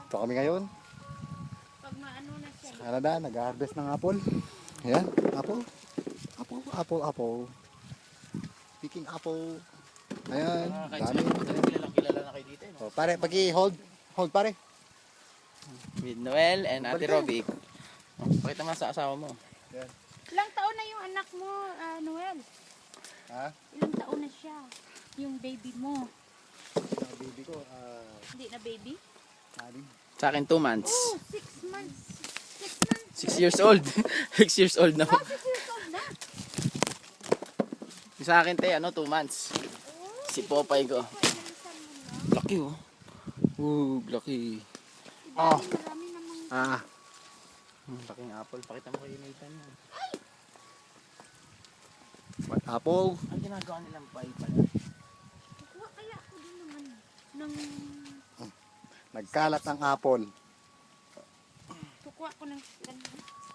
Ito kami ngayon Pag maano na siya. sa Canada, nag-harvest ng apple. Ayan, apple. Apple. Picking apple. Ayan, Kahit dami. sila kilala na kayo dito. No? Oh, pare, hold pare. With Noel and Ate Balik Robic. Oh, pakita mo sa asawa mo. Ayan. Ilang taon na yung anak mo, Noel? Ha? Ilang taon na siya? Yung baby mo. Yung baby ko, Hindi na baby? anim. Sa akin 2 months. Oh, 6 months. 6 months. 6 years old. 6 years old na. Oh, 6 years old na. Sa akin 2 months. Oh, Si Popeye ko. pinalisan mo na. Laki oh. Laki. Oh. Marami namang... Laking apple. Pakita mo kay Nathan. What apple? Ang ginagawa nilang pie pala. Kuha kaya ako din naman ng... Nagkalat ng apple. Kukuha ko ng ganyan.